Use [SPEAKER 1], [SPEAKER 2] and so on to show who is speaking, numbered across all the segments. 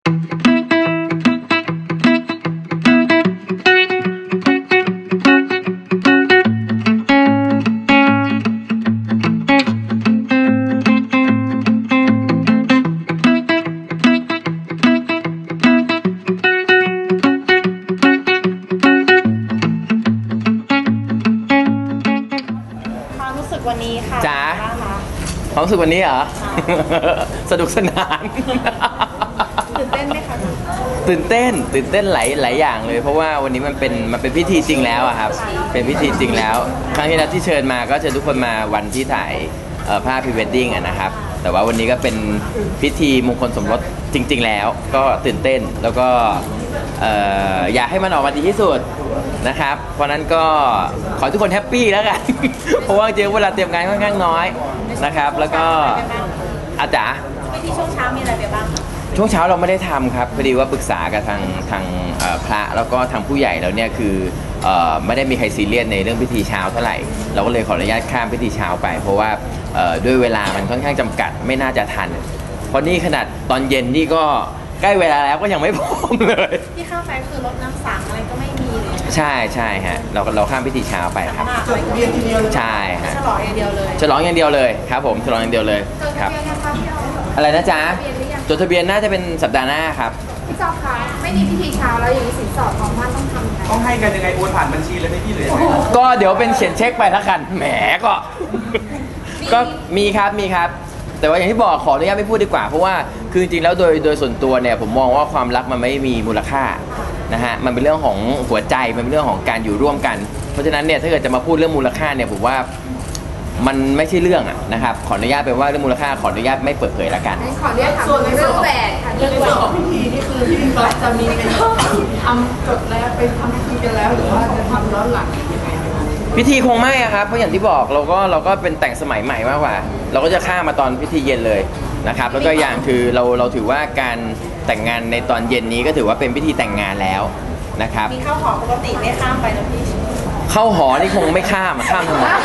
[SPEAKER 1] วันนี้ค่ะ
[SPEAKER 2] จ๋าความรู้สึกวันนี้เหรอ สนุกสนาน
[SPEAKER 1] ตื่นเต้นไหมคะ
[SPEAKER 2] ตื่นเต้นหลายอย่างเลยเพราะว่าวันนี้มันเป็นพิธีจริงแล้วอะครับเป็นพิธีจริงแล้วครั้งที่แล้วที่เชิญมาก็เชิญทุกคนมาวันที่ถ่ายภาพพรีเวดดิ้งนะครับแต่ว่าวันนี้ก็เป็นพิธีมงคลสมรสจริงๆแล้วก็ตื่นเต้นแล้วก็อยากให้มันออกมาดีที่สุดนะครับเพราะนั้นก็ขอทุกคนแฮปปี้แล้วกัน เพราะว่าจริงเวลาเตรียมงานค่อนข้างน้อยนะครับแล้วก็อาจารย์
[SPEAKER 1] พิธีช่วงเช้ามีอะไรไปบ้าง
[SPEAKER 2] ช่วงเช้าเราไม่ได้ทำครับพอดีว่าปรึกษากับทางพระแล้วก็ทางผู้ใหญ่แล้วเนี่ยคือไม่ได้มีใครซีเรียสในเรื่องพิธีเช้าเท่าไหร่เราก็เลยขออนุญาตข้ามพิธีเช้าไปเพราะว่าด้วยเวลามันค่อนข้างจำกัดไม่น่าจะทันเพราะนี่ขนาดตอนเย็นนี่ก็ใกล้เวลาแล้วก็ยังไม่พร้อมเลย
[SPEAKER 1] ที่ข้ามไปคือรถน้ำสังอะไรก็ไม่มีเลย
[SPEAKER 2] ใช่ฮะเราข้ามพิธีเช้าไปครับใช่ฮะ
[SPEAKER 1] ฉลองอย่างเดียวเลย
[SPEAKER 2] ฉลองอย่างเดียวเลยครับผมฉลองอย่างเดียวเลยครับอะไรนะจ๊ะจดทะเบียนน่าจะเป็นสัปดาห์หน้าครับ
[SPEAKER 1] พี่จอคะไม่มีพิธีเช้าแล้วอย่างนี้สินสอดของมั่นต้องทำยังไง
[SPEAKER 3] ต้องให้กันยังไงโอนผ่านบัญชีเลยไหมพี่หรือยังไง
[SPEAKER 2] ก็เดี๋ยวเป็นเขียนเช็คไปแล้วกันแหมก็มีครับแต่ว่าอย่างที่บอกขออนุญาตไม่พูดดีกว่าเพราะว่าคือจริงๆแล้วโดยส่วนตัวเนี่ยผมมองว่าความรักมันไม่มีมูลค่านะฮะมันเป็นเรื่องของหัวใจมันเป็นเรื่องของการอยู่ร่วมกันเพราะฉะนั้นเนี่ยถ้าเกิดจะมาพูดเรื่องมูลค่าเนี่ยผมว่ามันไม่ใช่เรื่องนะครับขออนุญาตเป็นว่าเรื่องมูลค่าขออนุญาตไม่เปิดเผยละกัน
[SPEAKER 1] ขออนุญาตถามเรื่องแหวนค่ะเรื่องแหวนของพิธีนี่คือที่จะมีเป็นทำจดแล้วไปทำพิธีกันแล้วหรือว่าจะทำย้อนหลังยังไง
[SPEAKER 2] พิธีคงไม่ครับเพราะอย่างที่บอกเราก็เป็นแต่งสมัยใหม่มากกว่าเราก็จะข้ามมาตอนพิธีเย็นเลยนะครับแล้วก็อย่างคือเราถือว่าการแต่งงานในตอนเย็นนี้ก็ถือว่าเป็นพิธีแต่งงานแล้วนะครับ
[SPEAKER 1] มีเข้าหอปกติไม่ข้ามไปนะพี่
[SPEAKER 2] เข้าหอนี่คงไม่ข้ามทำไม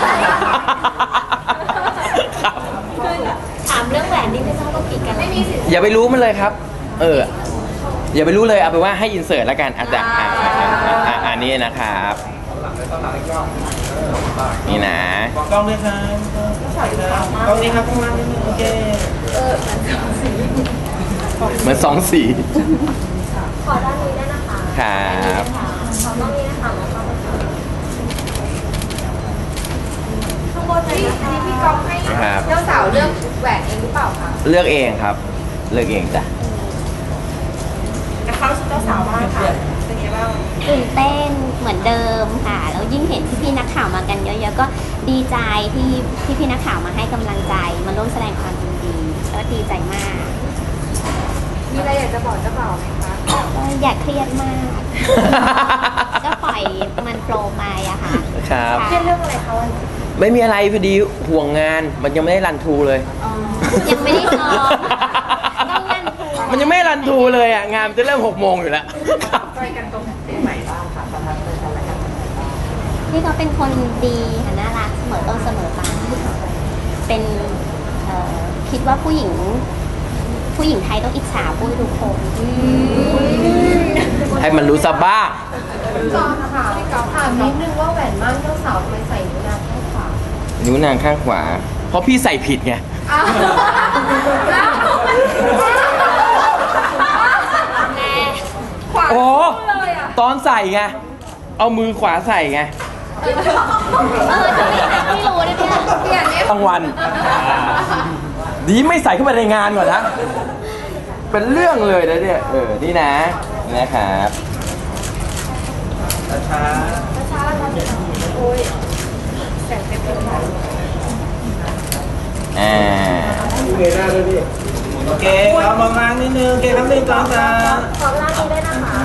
[SPEAKER 1] ถามเรื่องแหวนนี่ไม่ต้องผิดกันไม่มีสิ
[SPEAKER 2] อย่าไปรู้มันเลยครับอย่าไปรู้เลยเอาไปว่าให้อินเสิร์ตแล้วกันอาจารย์อันนี้นะครับนี่นะ
[SPEAKER 3] กล้องด้วยครับกล้องนี้ครับข้างล่างนิดนึงโอเค
[SPEAKER 2] เหมือนสองสี
[SPEAKER 1] ขอด้านนี้ได้นะคะ
[SPEAKER 2] ครับ
[SPEAKER 1] ขอด้านนี้นะคะข้างบนนี้พี่กองให้เจ้าสาวเลือกแหวนเองหรือเปล่าคะ
[SPEAKER 2] เลือกเองครับเลือกเองจ้ะ
[SPEAKER 1] กับเขาชุดเจ้าสาวบ้างค่ะเป็นไงบ้าง
[SPEAKER 4] ตื่นเต้นเหมือนเดิมค่ะแล้วยิ่งเห็นพี่นักข่าวมากันเยอะๆก็ดีใจที่พี่นักข่าวมาให้กำลังใจมาร่วมแสดงความยินดีก็ดีใจมาก
[SPEAKER 1] มีอะไรอยากจะบอกเจ้าบ่าวไหมคะ
[SPEAKER 4] ก็อยากเครียดมากก็ปล่อยมันโฟลว์ไปอะค่ะ
[SPEAKER 2] ครับ
[SPEAKER 1] เครียดเรื่องอะไรคะวันนี้
[SPEAKER 2] ไม่มีอะไรพอดีห่วงงานมันยังไม่ได้รันทูเลย
[SPEAKER 4] ยังไม่ได้ซ้อม
[SPEAKER 2] มันยังไม่รันทูเลยอ่ะงานจะเริ่ม6 โมงอยู่แล้ว
[SPEAKER 1] ไปกันตรงไหนบ้างคะประทับใจอะไร
[SPEAKER 4] พี่เขาเป็นคนดีน่ารักเสมอต้นเสมอปลายเป็นคิดว่าผู้หญิงไทยต้องอิจฉาปุ้ยทุกคน
[SPEAKER 2] ให้มันรู้ซะบ้าง
[SPEAKER 1] จอค่ะพี่กอล์ฟถามนิดนึงว่าแหวนมั่นเจ้าสาวทำไมใส่นิ้วนางข้างขวา
[SPEAKER 2] นิ้วนางข้างขวาเพราะพี่ใส่ผิดไงโอ้ตอนใส่ไงเอามือขวาใส่ไง
[SPEAKER 4] ไม่รู้เลยเนี่ย
[SPEAKER 2] กลางวันดีไม่ใส่เข้ามาในงานก่อนนะเป็นเรื่องเลยนะเนี่ยนี่นะนะครับ
[SPEAKER 3] ช้า
[SPEAKER 1] โอ้ยแสงเต็มเลย
[SPEAKER 3] เงยหน้าด้วยพี่โอเคเรามองล่างนิดนึงโอเคครับ1 2 3
[SPEAKER 1] ขอล่างนี้ได้นะคะ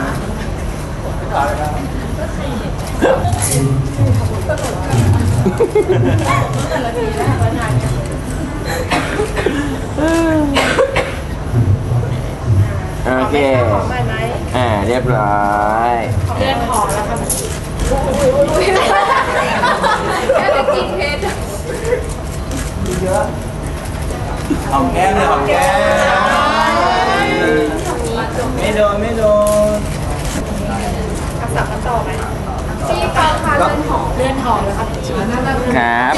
[SPEAKER 2] โอเคเรียบร้อย
[SPEAKER 1] เลื่อนหอแล้วค่ะแค่กินเพชร
[SPEAKER 3] เยอะหอมแก้มเลยหอมแก้มไม่โดนไม่โดน
[SPEAKER 1] กับสับกันต่อไหมพี่กอล์ฟค่ะเลื่อนหอแล้วครับ
[SPEAKER 2] ครับ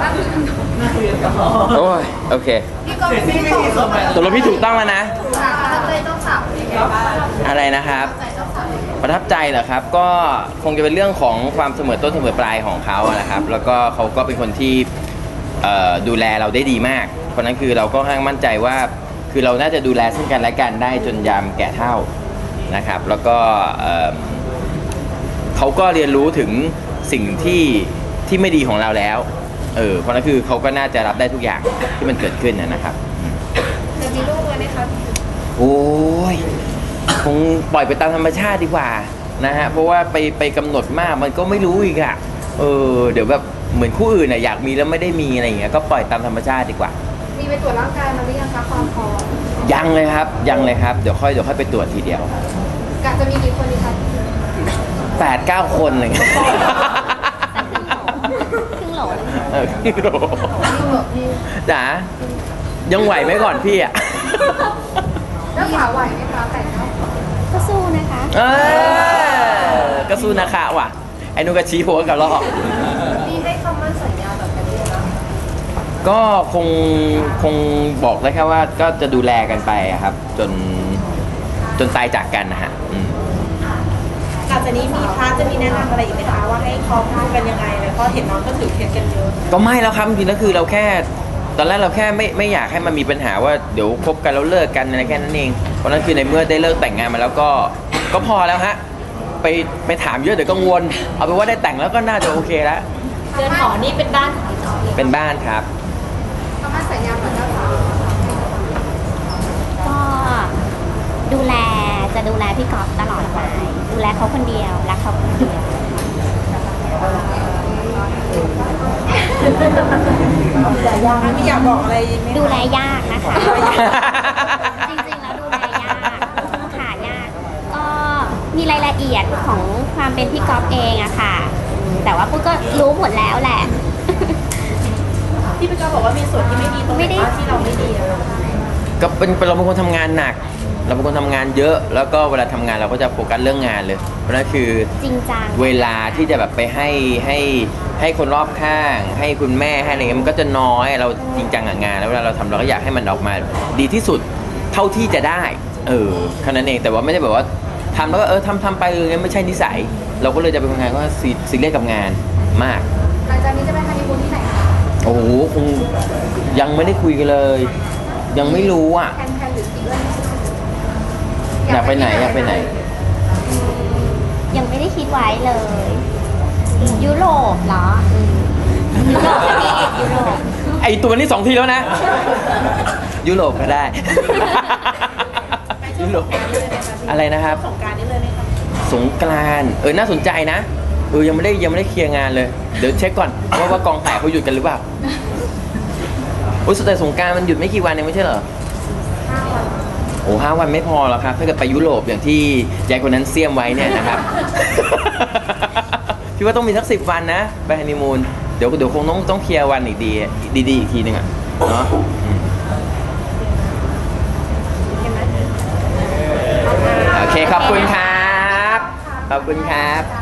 [SPEAKER 2] โอ้ย โอเค
[SPEAKER 1] พี่กอล์ฟไม่ได้ตอบ
[SPEAKER 2] ตกลงพี่ถูกต้องแล้วนะ
[SPEAKER 1] ถ้าใจต้องสับยังไงบ้าง
[SPEAKER 2] อะไรนะครับ
[SPEAKER 1] ใจต้องสับ
[SPEAKER 2] ประทับใจเหรอครับ ก็คงจะเป็นเรื่องของความเสมอต้นเสมอปลายของเขาอะนะครับ แล้วก็เขาก็เป็นคนที่ดูแลเราได้ดีมาก เพราะนั้นคือเราก็ค่อนข้างมั่นใจว่า คือเราน่าจะดูแลซึ่งกันและกันได้จนยามแก่เฒ่านะครับ แล้วก็เขาก็เรียนรู้ถึงสิ่งที่ไม่ดีของเราแล้ว เพราะนั้นคือเขาก็น่าจะรับได้ทุกอย่างที่มันเกิดขึ้นนะครับ
[SPEAKER 1] จะมีลูกเลยไหมครับ
[SPEAKER 2] โอ้ยคงปล่อยไปตามธรรมชาติดีกว่านะฮะเพราะว่าไปกำหนดมากมันก็ไม่รู้อีกอะเดี๋ยวแบบเหมือนคู่อื่นน่ะอยากมีแล้วไม่ได้มีอะไรอย่างเงี้ยก็ปล่อยตามธรรมชาติดีกว่า
[SPEAKER 1] มีไปตรวจร่างกายมาหรือยังคะความพร้อม
[SPEAKER 2] ยังเลยครับเดี๋ยวค่อยไปตรวจทีเดียว
[SPEAKER 1] กะจะมีกี่คนดีคะ
[SPEAKER 2] 8-9 คนอะไรเงี้ย
[SPEAKER 4] ครึ่งโหลเลย
[SPEAKER 2] ครึ่งโหลจ๋ายังไหวไหมก่อนพี่อะ
[SPEAKER 1] แล้วขาไหวไหมคะแต่งเนาะ
[SPEAKER 4] ก็สู้นะคะ
[SPEAKER 2] ก็สู้นะคะว่ะไอ้นุกก็ชี้หัวกับเรา
[SPEAKER 1] มีให้คำมั่นสัญญาแบบกันด้วยนะ
[SPEAKER 2] ก็คงบอกได้แค่ว่าก็จะดูแลกันไปอะครับ จนตายจากกันนะฮะ
[SPEAKER 5] หลังจากนี้มีพระจะมีแนะนำอะไรอีกไหมคะว่าให้คล้องคู่กันยังไงเลยเพราะเห็นน้องก็ถือเคสกันเยอะ
[SPEAKER 2] ก็ไม่แล้วครับจริงๆแล้วคือเราแค่ตอนแรกเราแค่ไม่อยากให้มันมีปัญหาว่าเดี๋ยวคบกันแล้วเลิกกันอะไรแค่นั้นเองเพราะนั้นคือในเมื่อได้เลิกแต่งงานมาแล้วก็พอแล้วฮะไปถามเยอะเดี๋ยวกังวลเอาเป็นว่าได้แต่งแล้วก็น่าจะโอเคแล้ว
[SPEAKER 5] เรือนหอนี่เป็นบ้านของพี่จอย
[SPEAKER 2] เป็นบ้านครับ
[SPEAKER 1] คำมั่นสัญญาแบบเจ้าสาว
[SPEAKER 4] ก็จะดูแลพี่กอล์ฟตลอดไปดูแลเขาคนเดียวรักเขาคนเดียว
[SPEAKER 5] ไม่อยากบอกอะไรไหม
[SPEAKER 4] ดูแลยากนะคะ จริงๆแล้วดูแลยากค่ะยากก็มีรายละเอียดของความเป็นพี่กอล์ฟเองอะค่ะแต่ว่าปุ๊กก็รู้หมดแล้วแหละ
[SPEAKER 5] ที่พี่จอยบอกว่ามีส่วนที่ไม่ดีตรงไหนบ้างที่เราไม่ดีอะ
[SPEAKER 2] ก็เราเป็นคนทำงานหนัก เราเป็นคนทำงานเยอะ แล้วก็เวลาทำงานเราก็จะโฟกัสเรื่องงานเลย เพราะนั่นคือ
[SPEAKER 4] จริงจัง
[SPEAKER 2] เวลาที่จะแบบไปให้คนรอบข้าง ให้คุณแม่ให้อะไรเงี้ยมันก็จะน้อยเราจริงจังกับงาน แล้วเวลาเราทำเราก็อยากให้มันออกมาดีที่สุดเท่าที่จะได้แค่นั้นเองแต่ว่าไม่ได้แบบว่าทำแล้วก็ทำไปงั้นไม่ใช่นิสัย เราก็เลยจะเป็นคนงานก็ซีเรียสกับงานมาก
[SPEAKER 1] หลังจากนี้จะไปฮันนีมูนที่ไหนคะ
[SPEAKER 2] โอ้โหคงยังไม่ได้คุยกันเลย ยังไม่รู้อ่ะ
[SPEAKER 1] แพนหรือกี่เดือน
[SPEAKER 2] อยากไปไหนอยากไปไหน
[SPEAKER 4] ยังไม่ได้คิดไว้เลย ยุโรปเหรอยุโรปก็ดียุโรป
[SPEAKER 2] ไอตัวนี้2 ทีแล้วนะ ยุโรปก็ได้ ยุโรปอะไรนะครับ
[SPEAKER 5] สงกรานต์นี่เลยไหมคะ
[SPEAKER 2] สงกรานต์น่าสนใจนะยังไม่ได้เคลียร์งานเลย เดี๋ยวเช็คก่อนว่ากองถ่ายเขาหยุดกันหรือเปล่าโอ้ยแต่สงกรานต์มันหยุดไม่กี่วันเองไม่ใช่เหรอ
[SPEAKER 1] 5 วัน
[SPEAKER 2] โอ้5 วันไม่พอหรอกครับถ้าเกิดไปยุโรปอย่างที่ยายคนนั้นเสียมไว้เนี่ยนะครับ พี่ว่าต้องมีสัก10 วันนะไปฮันนีมูนเดี๋ยวคงต้องเคลียร์วันอีกดีอีกทีนึงอ่ะเนาะโอเคขอบคุณครับขอบคุณครับ